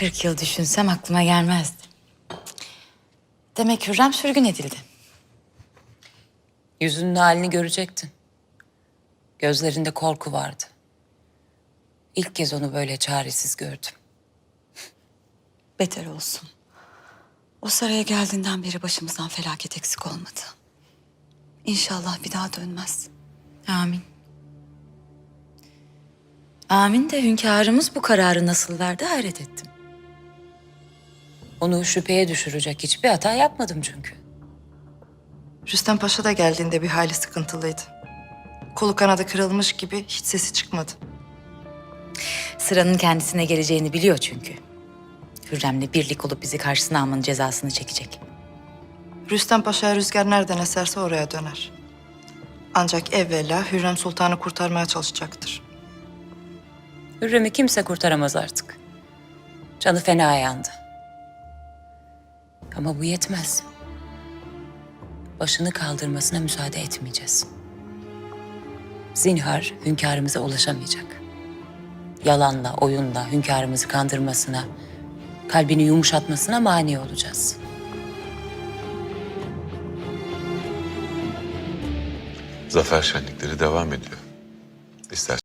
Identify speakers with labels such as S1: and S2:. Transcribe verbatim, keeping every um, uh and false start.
S1: kırk yıl düşünsem aklıma gelmezdi. Demek Hürrem sürgün edildi.
S2: Yüzünün halini görecektin. Gözlerinde korku vardı. İlk kez onu böyle çaresiz gördüm.
S1: Beter olsun. O saraya geldiğinden beri başımızdan felaket eksik olmadı. İnşallah bir daha dönmez. Amin. Amin de hünkârımız bu kararı nasıl verdi hayret ettim.
S2: Onu şüpheye düşürecek hiçbir hata yapmadım çünkü.
S3: Rüstem Paşa da geldiğinde bir hayli sıkıntılıydı. Kolu kanadı kırılmış gibi hiç sesi çıkmadı.
S1: Sıranın kendisine geleceğini biliyor çünkü. Hürrem'le birlik olup bizi karşısına almanın cezasını çekecek.
S3: Rüstem Paşa'ya rüzgar nereden eserse oraya döner. Ancak evvela Hürrem Sultan'ı kurtarmaya çalışacaktır.
S2: Hürrem'i kimse kurtaramaz artık. Canı fena yandı. Ama bu yetmez. Başını kaldırmasına müsaade etmeyeceğiz. Zinhar hünkârımıza ulaşamayacak. Yalanla, oyunla hünkârımızı kandırmasına, kalbini yumuşatmasına mani olacağız.
S4: Zafer şenlikleri devam ediyor. İster